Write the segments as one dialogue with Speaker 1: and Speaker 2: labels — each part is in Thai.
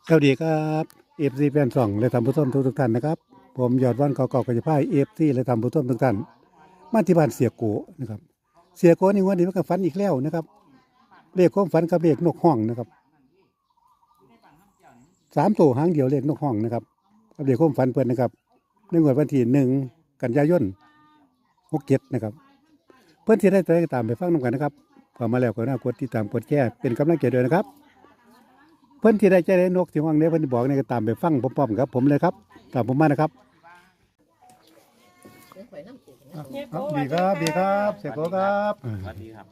Speaker 1: สวัสดีครับเอฟซีแฟนสองและทำผู้ชมทุกท่านนะครับผมยอดวันเก่าๆกับจะพายเอฟซีและทำผู้ชมทุกท่านมาที่บ้านเสียโกนะครับเสียโกนี่วันนี้มันก็ฝันอีกแล้วนะครับเลขความฝันกับเลขนกห้องนะครับ3 ตัวหางเดียวเลขนกห้องนะครับกับเลขความฝันเพื่อนนะครับในงวดวันที่1 กันยายน67นะครับเพื่อนที่ได้ไปตามไปฟังนำกันนะครับพอมาแล้วก็น่ากดติดตามกดแชร์เป็นกำลังใจด้วยนะครับเพื่อนที่ได้นกที่ห้องนี้เพื่อนบอกเนี่ยก็ตามไปฟังพร้อมๆครับผมเลยครับตามผมมานะครับดีครับดีครับเสียโกครับ
Speaker 2: สวัสดีครับ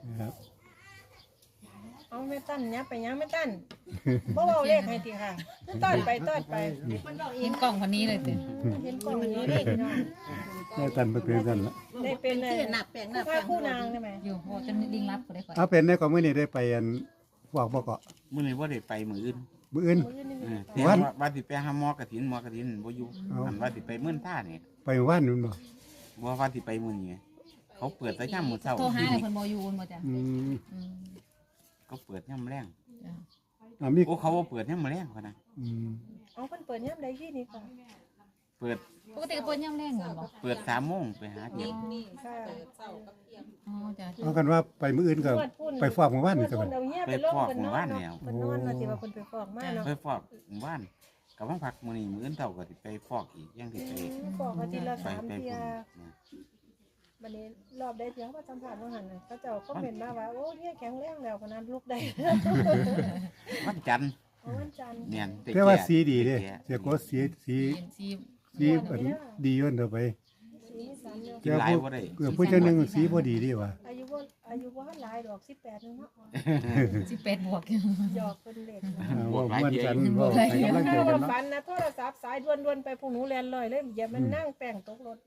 Speaker 3: เอาไม่ตั้นเนี่ยไปยังไม่ตั้นเพราะว่าเลขให้ทีค่ะต้อนไป
Speaker 4: เห็นกล่องคนนี้เลยสิ
Speaker 3: เห็นกล่องนี้เลขเนาะ
Speaker 1: ได้ตันไปเป็นกันละ
Speaker 3: ได้เป็นเลยคู่นางได้ไหม
Speaker 4: อยู่โหจนลิงรับก็ได้ก่อน
Speaker 1: เอาเป็นในของมื่อนี้ได้ไปอันบอกบอกเกาะ
Speaker 2: มื้อนี้บ่ได้ไปมื้ออื่น
Speaker 1: มื้ออื่น
Speaker 2: เที่ยงว่าสิไปหาหมอกฐินบ่อยู่อันว่าสิไปเมื่อนท่านี่
Speaker 1: ไปว่านนู่นบ่
Speaker 2: บ่ว่าสิไปมื้อนี้เขาเปิดแต่ยามมื้อเช้า
Speaker 4: โทรหาเลยคนบอยู่คนบ่จ้ะ
Speaker 1: อืม
Speaker 2: ก็เปิดยามแลง
Speaker 1: มี
Speaker 2: โอ้เขาบ่เปิดยามแลงพุ่นน่ะ
Speaker 1: อืม
Speaker 3: เอาคนเปิดย่ำใดที่นี่ค่ะ
Speaker 2: เปิด
Speaker 4: ปกติก็เปิดย่ำแรงเหมือนบ่
Speaker 2: เปิด3 โมงไปหาเก็บ
Speaker 3: ค่ะ
Speaker 4: อ๋อจ้ะ
Speaker 1: เอากันว่าไปมื้ออื่นก็ไปฟอกเมื่อวานนี่ซะ
Speaker 3: ค
Speaker 1: บั
Speaker 3: น
Speaker 1: ด
Speaker 3: เอาเงี้ยไปลงคนนอนเนาะคนนอนนะที่ว่าคนไปฟอกมาเนาะ
Speaker 2: ไปฟอกหมู่บ้านก็บ่พักมื้อนี้มื้ออื่นเท่าก็สิไปฟอกอีกยังสิไป
Speaker 3: ฟอกอาทิตย์ละ
Speaker 2: ไป
Speaker 3: 3
Speaker 2: ไป
Speaker 3: เที่ย
Speaker 2: พุ่น
Speaker 3: วันนี้รอบได้เที่ยวมาสัมผัสว่าหันน่ะเขาเจ้าก็เห็นมาว่าโอ้เนี่ยแข็งแรงแล้วคนนั้นลุกได้
Speaker 2: วันจันทร์
Speaker 3: วันจันทร์
Speaker 2: เนี่ย
Speaker 1: แต่ว่าสีดีเด้เสียโกสีสี
Speaker 4: เห็นซี
Speaker 1: สีอันดีย้อนเถอะไป
Speaker 3: สีสันเนาะ
Speaker 2: กินหลายบ่ได้
Speaker 1: ผู้เจ้าหนึงสีบ่ดีดีว่ะ
Speaker 3: อายุว่าหลายดอก18นึงเนาะ
Speaker 4: 18 บวก
Speaker 3: หยอกเป็นเล็ก
Speaker 1: ว่าม่วนกันว่าไปกำลังใจ
Speaker 3: ถ้า
Speaker 1: กัน
Speaker 3: ว่า
Speaker 1: เนาะ
Speaker 3: ฟันนะโทรศัพท์สายด่วนๆไปพวกหนูแลนเลยเลยอย่ามันนั่งแป้งตกรถ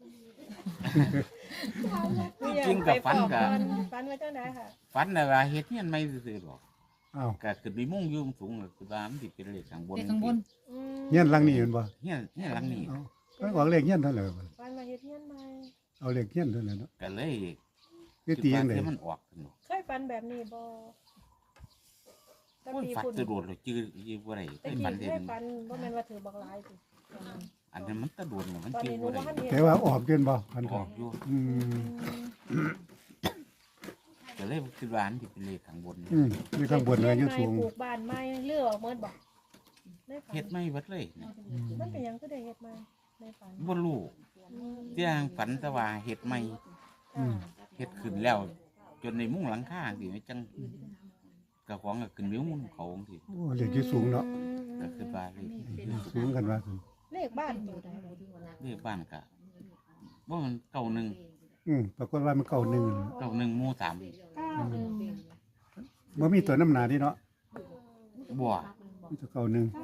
Speaker 2: จริงกับฝันกับ
Speaker 3: ฟันไว้จังได๋ค่ะ
Speaker 2: ฝันน่ะว่าเฮ็ดเฮียนไม่ซื่อๆหรอก
Speaker 1: อ้าว
Speaker 2: ก็ขึ้นไปมุ่งอยู่สูงก็คือว่ามันสิเป็นเลขข้างบน
Speaker 4: เด็กข้างบน
Speaker 1: เงี้ยนหลังนี้เห็นบ่
Speaker 2: เฮียนหลังนี้
Speaker 1: เอาก็ออกเลขเงี้ยนเท่าไหร่บัด
Speaker 3: ฟันมาเฮ็ดเฮียนใหม่
Speaker 1: เอาเลขเงี้ยนเท่าไหร่เนาะ
Speaker 2: ก็เลย
Speaker 1: คือตีจังได๋
Speaker 2: คิว่ามันออกสนุก
Speaker 3: เคยฟันแบบนี้บ่ตะ
Speaker 2: มัน
Speaker 3: ปี
Speaker 2: ฝัด
Speaker 3: ฝุ่น
Speaker 2: ตะโดดเลยจื้อบ่ได้
Speaker 3: ตะ
Speaker 2: เป็น
Speaker 3: กี้
Speaker 2: ฝัน
Speaker 3: เค
Speaker 2: เด่
Speaker 3: ย
Speaker 2: น
Speaker 3: ฟันบ่แม่นว่าถือบักหลายติ
Speaker 2: อันนั้นมันตะโดดน่ะมัน
Speaker 3: ตอน
Speaker 2: จื้อ
Speaker 3: นี้หนู
Speaker 2: บ่ได้
Speaker 3: ว่าเฮ็ด
Speaker 1: แต่ว่าออกเกินบ่พัน
Speaker 2: อ
Speaker 1: ก็
Speaker 2: อกอยู่
Speaker 1: อืม
Speaker 2: ก็เลยคิดว่าอันที่เป็นเลขข้างบน
Speaker 1: มีข้างบนเลยอยู่สูง
Speaker 3: ปลูกบ้านใหม่เลือกออกหมดบ่ในฝัน
Speaker 2: เฮ็ดไม่เบิดเลยนะ
Speaker 3: มันเป็นหยังคือได้เฮ็ดใหม่ในฝัน
Speaker 2: บ่รู้ที่ทางฝันแต่ว่าเฮ็ดไม่
Speaker 3: ค่ะ
Speaker 2: เฮ็ดขึ้นแล้ว จนในมุ้งหลังคาสิจังกระของก็ขึ้นวิวมุ้งเขาจังซี่
Speaker 1: โอ้เลขอยู่สูงเนาะ
Speaker 2: ก็คือว่าเลข
Speaker 1: สูงกันว่า
Speaker 3: เลขบ้านอยู่ใด
Speaker 2: เลขบ้านก็บ่มัน91
Speaker 1: ปรากฏว่ามันเก่าหนึ่ง
Speaker 2: 91หมู่3
Speaker 1: บ่มีตัวน้ำหนาที่เนาะ
Speaker 2: บ่
Speaker 1: มีตัวเก่าหนึ่ง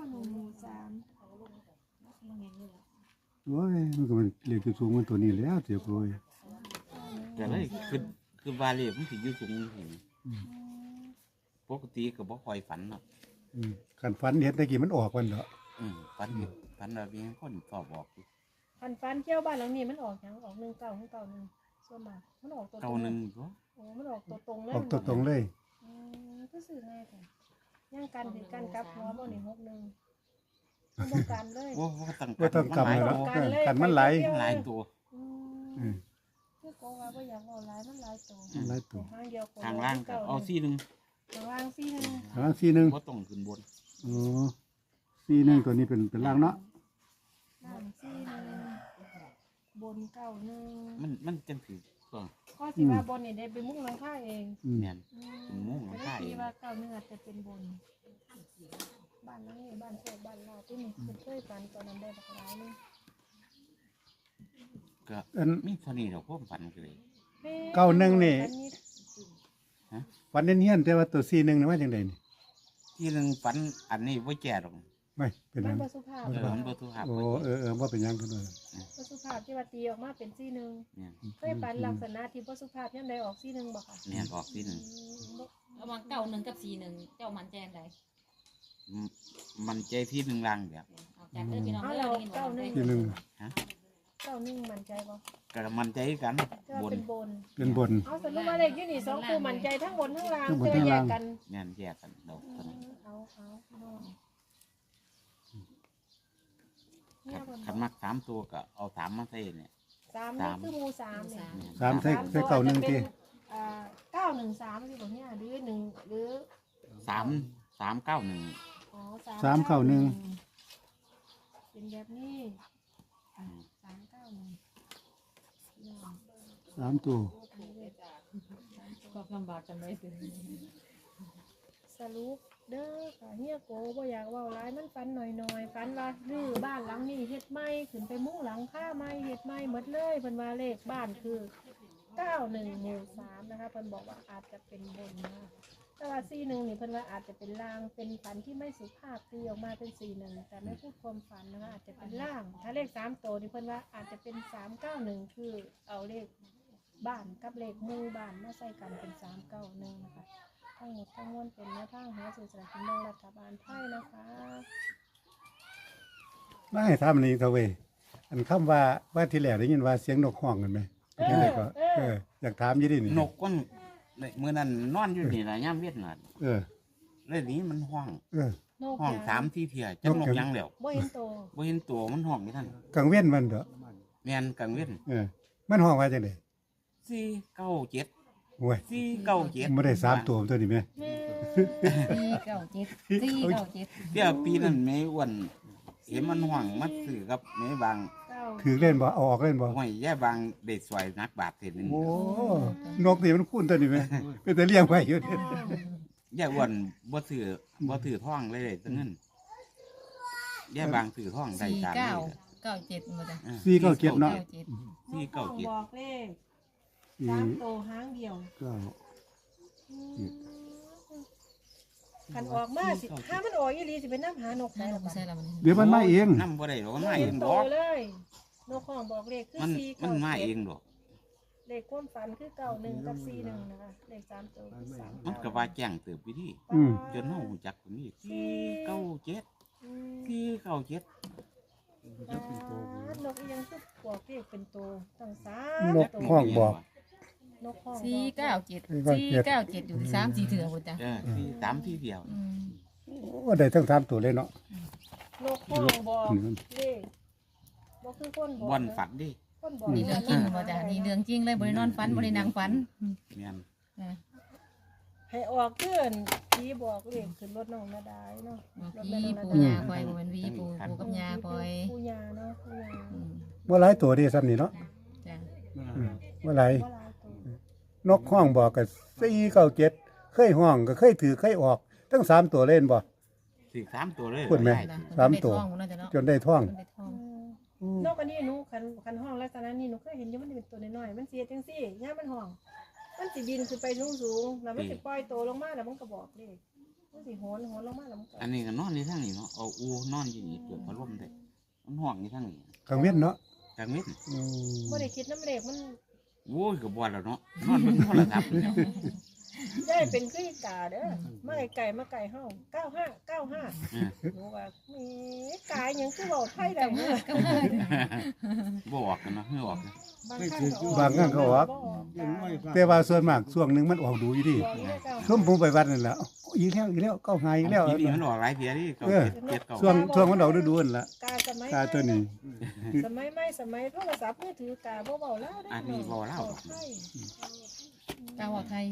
Speaker 3: 91
Speaker 1: โอ้ยมันก็มันเลขอยู่สูงมันตัวนี้แล้วเสียโกย
Speaker 2: ก็เลยคือว่าเลขมันสิอยู่สูงเห็นปกติก็บ่ค่อยฝันเนาะ
Speaker 1: กันฝันเห็นตะกี้มันออกวันเนาะ
Speaker 2: ฝันว่ามีคนสอบบอกอยู่
Speaker 3: ฟันเที่ยวบ้านหลังนี้มันออกหยังออก1991ส่วนมากมันออกตัวตรง
Speaker 2: 91ก็
Speaker 3: โอ้มันออกตัวตรงเลย
Speaker 1: ออกตัวตรงเลย
Speaker 3: ก็สื่อง่ายค่ะย่างกันถึงกันกับหัวบ่นี่61มันต้องกันเลย
Speaker 2: บ่ต้อง
Speaker 1: บ่ต้องกำเลยเนาะกันมันไหล
Speaker 2: หลายตัว
Speaker 3: คือก็ว่าบ่อยากเอาหลายมันหลายตัว
Speaker 1: หลายตัว
Speaker 3: ทางเดียว
Speaker 2: ทางล่างก็เอาซี่หนึง
Speaker 3: ทางล่างซี่นึง
Speaker 1: ทางสีหนึ่ง
Speaker 2: บ่ต้องขึ้นบน
Speaker 1: อ๋อสีหนึ่งตัวนี้เป็นล่างเนาะ
Speaker 3: ล่างซี่นึงบนเก้านึง
Speaker 2: มันจังสิก็
Speaker 3: ข้อสิว่าบนนี่ได้ไปมุ้งหลังคาเอง
Speaker 2: แม่นเป็นมุ้งหลังคาเอ
Speaker 3: ที่
Speaker 2: ง
Speaker 3: ว่าเก้านึงอาจจะเป็นบนบ้านหลังนี้บ้านโชคบ้านลาที่นี่คือเคยฝันตอนนั้นได้บักหลายนึง
Speaker 2: ก็
Speaker 1: อัน
Speaker 2: มีเท่านี้ดอกความฝันก็เลย
Speaker 1: 91นี่ ฝันเนียนๆแต่ว่าตัวสีหนึ่งนี่ว่าจังไดนี่
Speaker 2: ที่หนึงฝันอันนี้บ่แก่ดอก
Speaker 1: ไม่เป็นห
Speaker 3: มั
Speaker 1: ยั
Speaker 3: น
Speaker 1: ง
Speaker 3: บ่สุภาพ
Speaker 2: มันบ่ทุกภาพ
Speaker 1: โอ้ว่าเป็นหยังเพิ่นว่า
Speaker 3: บ่สุภาพที่ว่าตีออกมาเป็นซี่นึง
Speaker 2: เนี่ย
Speaker 3: เคยฝันลักษณะที่บ่สุภาพยามใดออกซี่นึงบ่ค่ะ
Speaker 2: เนี่ยออกที่หนึง
Speaker 4: ระหว่าง91กับ41เจ้ามันแจนใด
Speaker 2: มันใจที่หนึงล่างแบบ
Speaker 4: เอาจากเด้อพี่น้อง
Speaker 3: เอา
Speaker 4: เด้
Speaker 3: เรา
Speaker 4: อได้ยินบ่
Speaker 3: เก้านึง
Speaker 1: สีหนึ่ง
Speaker 3: เก้านึงมั่นใจบ่
Speaker 2: ก็มันใจกัน
Speaker 3: จะว่า
Speaker 2: บน
Speaker 3: เป็นบน
Speaker 1: เป็นบน
Speaker 3: เอาสรุปว่าเลขอยู่นี่2คู่มั่นใจทั้งบนทั้งล่าง
Speaker 1: ทั้งบน
Speaker 3: จะ
Speaker 1: ทั้ง
Speaker 3: แย
Speaker 1: ล่าง
Speaker 3: กกัน
Speaker 2: แม่นแยกกันดอกเท่านั้น
Speaker 3: เอาเนี่ยเพิ่น
Speaker 2: ขันมัก3ตัวก็เอา3มาใส่เนี่ย
Speaker 3: สามนี่คือหมู่สามเนี่ย
Speaker 1: สามใส่เก่าหนึ่งที่
Speaker 3: 913สิบ่เนี่ยหรือ1หรือ
Speaker 2: 391
Speaker 3: อ๋อ
Speaker 1: 391
Speaker 3: เป็นแบบนี้391
Speaker 1: 3ตัว
Speaker 4: ก็ลำบากกันไว้ถึง
Speaker 3: สรุปเด้อค่ะเฮียโกบ่อยากเว้าหลายมันฝันหน่อยๆฝันว่ารื้อบ้านหลังนี้เฮ็ดใหม่ขึ้นไปมุ้งหลังคาใหม่เฮ็ดใหม่หมดเลยเพิ่นว่าเลขบ้านคือ91หมู่3นะคะเพิ่นบอกว่าอาจจะเป็นบนนะแต่ว่า41นี่เพิ่นว่าอาจจะเป็นลางเป็นฝันที่ไม่สุภาพตีออกมาเป็น41แต่ไม่พูดความฝันนะคะอาจจะเป็นล่างถ้าเลข3ตัวนี่เพิ่นว่าอาจจะเป็น391คือเอาเลขบ้านกับเลขหมู่บ้านมาใส่กันเป็น391นะคะทั้งหมดทั้งมวลเป็นแนวทางหาสื่อสารกินแบ่งรัฐบาลไทยนะคะ
Speaker 1: มาให้ถามอันนี้เถอะเว้ยอันคำว่าที่แรกได้ยินว่าเสียงนกฮ้องกันไหมเป็นจังไดก็อยากถามอยู่ดินี่
Speaker 2: นกก้นมื้อนั้นนอนอยู่นี่ล่ะยามเวียดน่ะ
Speaker 1: เออ
Speaker 2: เลยนี้มันห้อง
Speaker 1: เออ
Speaker 3: นก
Speaker 2: ห้อง
Speaker 3: ยาง
Speaker 2: 3ที่เที่ยจักนกหยังแล้ว
Speaker 3: บ่เห็นโต
Speaker 2: บ่เห็นตัวมันห้องนี่ท่าน
Speaker 1: กังเว้นมันเด้อ
Speaker 2: แม่นกลางเว้น
Speaker 1: เออมันห้องว่าจังได๋
Speaker 2: 497
Speaker 1: โอ้ย
Speaker 2: 497
Speaker 1: บ่ได้3ตัวตัวนี้แม่
Speaker 3: แม่
Speaker 4: 497
Speaker 2: เดี๋ยวปีนั้นแม่อ้วนเห็นมันห้องมาซื้อกับแม่บาง
Speaker 3: เก้า
Speaker 1: ถือเล่นบ่เอาออกเล่นบ่
Speaker 2: ห้อยแย่บางได้สวยนักบาทเศษนึง
Speaker 1: โอ้นกนี่มันคุ้นตัวนี้แม่เป็นแต่เลี้ยงไว้อยู่นี่
Speaker 2: แย่อ้วนบ่ถือท่องเลยจังนั้นแย่บางถือท่องได้ตามนี้
Speaker 4: 97หมดอ่ะ
Speaker 1: 497เนาะ
Speaker 4: 97
Speaker 2: 497
Speaker 3: บอกเลข3โตหางเดียว คันออกมาสิถ้ามันออกอีหลีสิเป็นน้ำหานก
Speaker 4: ใช่
Speaker 3: ได้หร
Speaker 4: เรา
Speaker 3: อ
Speaker 4: บ่ใช่เรามัน
Speaker 1: เดี๋ยวมันมาเอง
Speaker 2: นำบ่ได้หรอกมันมา
Speaker 3: เห็
Speaker 2: เอน ง
Speaker 3: โต
Speaker 2: ดอก
Speaker 3: เลยนกของบอกเลขคือ
Speaker 2: มัน
Speaker 3: 4
Speaker 2: มันมาเองดอก
Speaker 3: เลขความฝันคือ91กับ41นะคะเลข3โตคือ3
Speaker 2: มันก็ว่าแจ้งเติบอยู่ดิ
Speaker 1: อืม
Speaker 2: จนเฮารู้จักตรงนี้497 497
Speaker 3: นกอีหยังคือบอกเลขเป็นโตตั้ง
Speaker 1: นก
Speaker 3: 3
Speaker 1: ห้องบอก
Speaker 3: นกของ
Speaker 4: 497อยู่3-4เถื่อพุ่นจ้ะ
Speaker 2: 3ที่เดียว
Speaker 1: โอ้ได้ทั้ง3ตัวเลยเนาะ
Speaker 3: นกห้องบอกเลขบ่คือคนบอก
Speaker 2: บ่อนฝันดิ
Speaker 3: คนบอก
Speaker 4: นี่เรื่องจริงบ่จ้ะนี่เรื่องจริงเลยบ่ได้นอนฝันบ่ได้นั่งฝัน
Speaker 2: แม่น
Speaker 4: จ้ะ
Speaker 3: ให้ออกเพื่อนพี่บอกเลขขึ้นรถน้องนาดาเนาะ
Speaker 4: พี่ปู่ย่าคอยบ่แม่นวีปู่กับย่าคอย
Speaker 3: ผู้ยาเนาะผู้ยา
Speaker 1: บ่หลายตัวเด้ซ้ำนี่เนาะ
Speaker 4: จ้ะ
Speaker 1: บ่หลาย
Speaker 3: บ่หลายตัวน
Speaker 1: กห้องบอกก็497เคยห้องก็เคยถือเคยออกทั้ง3ตัวเล่นบ่
Speaker 2: ถือ3ตัวเลย
Speaker 1: พูดไหม
Speaker 2: ด้
Speaker 1: 3ตัว จนได้ท่อง
Speaker 4: ได้ท่อง
Speaker 3: นกอันนี้หนูคันห้องลักษณะนี้หนูเคยเห็นอยู่มันเป็นตัวน้อยๆมันเสียจังซี่ย่ามมันห้องมันสิบินขึ้นไปสูงๆแล้วมันสิปล่อยตัวลงมาแล้วมันก็บอกเลขมันสิโหนลงมาแล้วมันก็
Speaker 2: อันนี้ก็นอนในทางนี้เนาะเอาอูนอนอยู่นี่เปิดพัดลมได้มันห้องในทางนี้
Speaker 1: กังเว้นเนาะ
Speaker 2: กลางเว้น
Speaker 3: บ่ได้คิดน้ำเลขมัน
Speaker 2: โว้ยก็บ่แล้วเนาะนอนเบิ่งโทรศัพท์นี่แหล้ว
Speaker 3: ได้เป็นคืออีกาเด้อมาไก่มาไก่เฮา95หนูว่าแหมกายหยังคือเว้าไทยได้เนาะ
Speaker 2: บ่ออกกันเนาะไม่ออกนะ
Speaker 1: บางครั้งก็ออก แต่ว่าส่วนมากช่วงหนึงมันออกดูอยู่ดิซุ่มผมไปวัดนั่นแหละอีกแล้วเก้าหายอีกแล้ว
Speaker 2: ปีนี้มันออกหลายเที่ยดิเก็เจ็ดเก่า
Speaker 1: ช่วงมันออกฤดูนั่นล่ะ
Speaker 3: กาสมัย
Speaker 1: ตาตัวนี้
Speaker 3: สมัยใหม่สมัยโทรศัพท์มือถือกาบ่เว้าแล้ว
Speaker 2: อันนี้บ่เล่า
Speaker 4: กาวไทย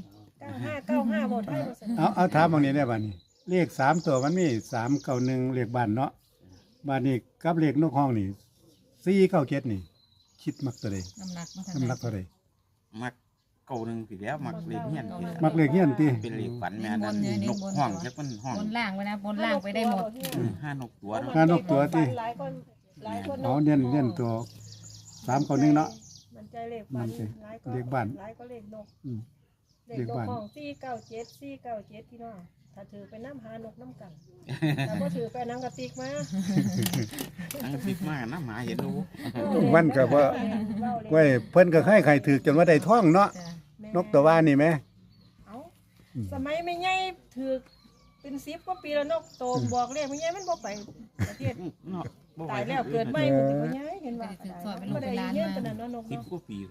Speaker 3: 95บ่ไทยบ่สน
Speaker 1: เอาถามบางนี้ได้บัดนี้ เลข3ตัวมันมี391เลขบ้านเนาะบ้านนี้กับเลขนกห้องนี่497นี่ คิดมักตัวใด
Speaker 4: น้ำหนักมาทาง
Speaker 1: น้ำหนักเท่าใด
Speaker 2: มักเก่าหนึงสิแล้วมักเลขเฮียนสิ
Speaker 1: มักเลขเฮียนติ
Speaker 2: เป็นเลขฝันแม่นั่นนกห้องจักมันห้อง
Speaker 4: บนล่างไปนะบนล่างไปได้หมด
Speaker 2: ห้านกตัวเนาะ
Speaker 1: ห้านกตัวติ
Speaker 3: หลายคน
Speaker 1: เอาเน้นตัว391เนาะ
Speaker 3: มันใจเลขบ้านหลายก็
Speaker 1: เลขบ้าน
Speaker 3: หลายก็เลขนก
Speaker 1: อืม
Speaker 3: เลขนกของ497พี่น้องถ้าถือไปน้ำหานกน้ำกันถ้าบ่ถือไปน้ำกระติกมา
Speaker 2: อังคิดมากนะหมาเห็นดู
Speaker 1: มันก็บ่ไว้เพิ่นก็ให้ใครถือจนว่าได้ท่องเนาะ
Speaker 4: จ้ะ
Speaker 1: นกตัวว่านี่แหม
Speaker 3: เอ้าสมัยไม่ใหญ่ถือเป็น10กว่าปีแล้วนกโตบอกเลขมันยังมันบ่ไปประเทศ
Speaker 2: เนาะบ่ไห
Speaker 3: ตายแล้วเกิดใหม่มันสิบ่ย้ายเห็นว่าบ่ได้เงินปานนั้นเนาะนก
Speaker 2: สิบ
Speaker 3: เนาะ
Speaker 2: กว่าปี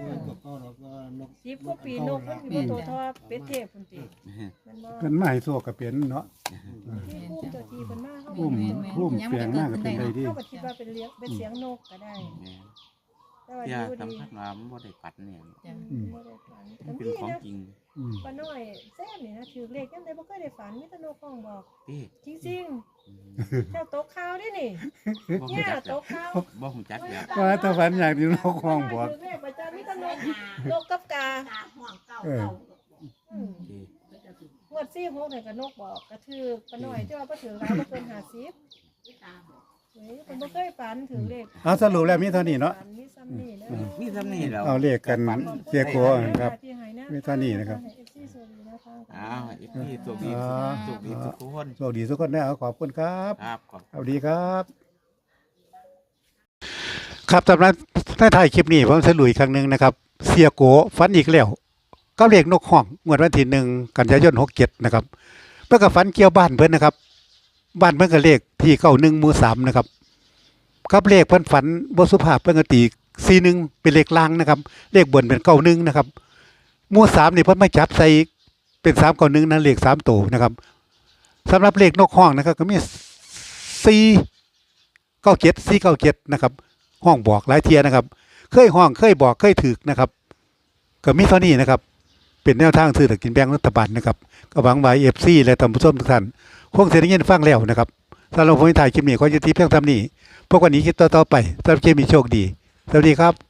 Speaker 3: 10กว่าปีนกมันสิบ่โตเท่าเป็ดเทพพุ่นติมันบ่
Speaker 1: เพิ่นมาให้โชคก็เป็นเนาะ
Speaker 3: ที่ภูมิเจ้าที่เพิ่นมาเฮา
Speaker 1: พุ่มเปลี่ยนมากก็เป็นได้ดี
Speaker 3: เฮาก็คิดว่าเป็นเลี้ยงเป็นเสียงนกก็ได้
Speaker 2: แม่น
Speaker 3: แต่ว่า
Speaker 2: เที่ย
Speaker 3: ดู
Speaker 2: สำ
Speaker 3: ดี
Speaker 2: คัญว่ามันบ่ได้ฝันเนี่ย
Speaker 4: จ้ะ
Speaker 3: บ่ได้ฝัน
Speaker 2: มัน
Speaker 3: แต่
Speaker 2: เป็น
Speaker 3: มี
Speaker 2: ของ
Speaker 3: นะ
Speaker 2: จริง
Speaker 1: อืม
Speaker 3: ป้าน้อยแซ่บนี่นะถือเลขยังไดบ่เคยได้ฝันมีแต่นกห้องบอก
Speaker 2: ที่
Speaker 3: จริงๆเจ้าตกข่าวเด้นี่
Speaker 2: บ่ฮู้
Speaker 3: เนี่ย
Speaker 2: จัก
Speaker 3: ตกข่าว
Speaker 2: บ่ฮู้จักแล้ว
Speaker 1: ว่าแตะฝันอยากอยู่นกห้องบอก
Speaker 3: ถือเลขประจำมีแต่นกกับกา
Speaker 1: เออ
Speaker 3: อืม
Speaker 2: ที่
Speaker 3: งวด46นี่ก็นกบอกก็ถือป้าน้อยที่ว่าบ่ถือหลายบ่เกิน50เฮ้ยเพิ่นบ่เคยฝันถือเลข
Speaker 1: เอาสรุปแล้วมีเท่านี้เนาะ
Speaker 3: มีซ้ำนี่นะ
Speaker 2: มีซ้ำนี่แล้ว
Speaker 1: เอาเลขกันเสียโกครับ
Speaker 3: ที่ให้นะ
Speaker 1: มีเท่านี้นะครับ
Speaker 3: ให้ FC สวัสดีนะคะ
Speaker 2: อ้าวอีกที่สุขดี
Speaker 1: อ๋อ
Speaker 2: สุขดีทุกคน
Speaker 1: โชคดีทุกคนนะขอบคุณครับ
Speaker 2: ครับขอบ
Speaker 1: สวัสดีครับ ครับสำหรับในท้ายคลิปนี้ผมสรุปอีกครั้งหนึ่งนะครับ เสียโกฝันอีกแล้วก็เลขนกห้องงวดวันที่1 กันยายน67นะครับเพื่อกับฝันเกี่ยวบ้านเพิ่นนะครับ บ้านเพิ่นก็เลขที่91หมู่3นะครับกับเลขเพิ่นฝันบ่สุภาพเพิ่นก็ตี41เป็นเลขล่างนะครับ เลขบนเป็น91นะครับหมู่3นี่เพิ่นมาจับใส่เป็น391นั่นเลข3ตัวนะครับสำหรับเลขนกห้องนะครับก็มี497นะครับห้องบอกหลายเทียนะครับ เคยห้องเคยบอกเคยถึกนะครับก็มีเท่านี้นะครับ เป็นแนวทางซื้อสลากกินแบ่งรัฐบาลนะครับก็หวังว่า FC และท่านผู้ชมทุกท่านคงสิได้ยินฟังแล้วนะครับสำหรับผมถ่ายคลิปนี้ขอยุติเพียงเท่านี้พบกันอีกคลิปต่อๆไปสำหรับคลิปนี้โชคดีสวัสดีครับ